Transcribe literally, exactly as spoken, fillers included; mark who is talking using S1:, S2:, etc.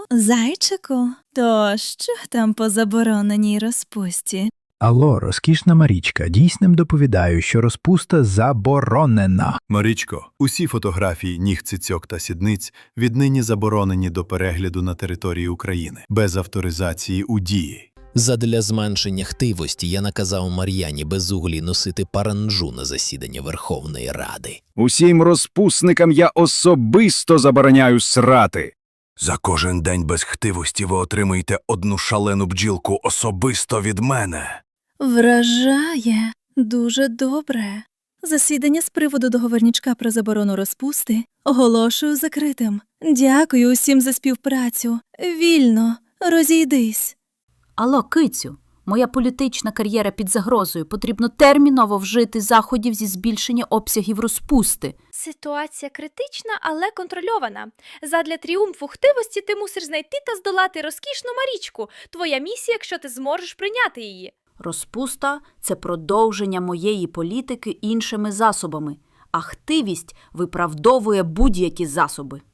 S1: Зайчику, то що там по забороненій розпусті?
S2: Алло, розкішна Марічка, дійсним доповідаю, що розпуста заборонена.
S3: Марічко, усі фотографії ніг, цицьок та сідниць віднині заборонені до перегляду на території України, без авторизації у дії.
S4: Задля зменшення хтивості я наказав Мар'яні Безуглій носити паранджу на засідання Верховної Ради.
S5: Усім розпусникам я особисто забороняю срати.
S6: За кожен день без хтивості ви отримуєте одну шалену бджілку особисто від мене.
S1: Вражає. Дуже добре. Засідання з приводу договорнячка про заборону розпусти оголошую закритим. Дякую усім за співпрацю. Вільно. Розійдись.
S7: Алло, кицю, моя політична кар'єра під загрозою. Потрібно терміново вжити заходів зі збільшення обсягів розпусти.
S8: Ситуація критична, але контрольована. Задля тріумфу хтивості ти мусиш знайти та здолати розкішну Марічку. Твоя місія, якщо ти зможеш прийняти її.
S7: Розпуста – це продовження моєї політики іншими засобами, а хтивість виправдовує будь-які засоби.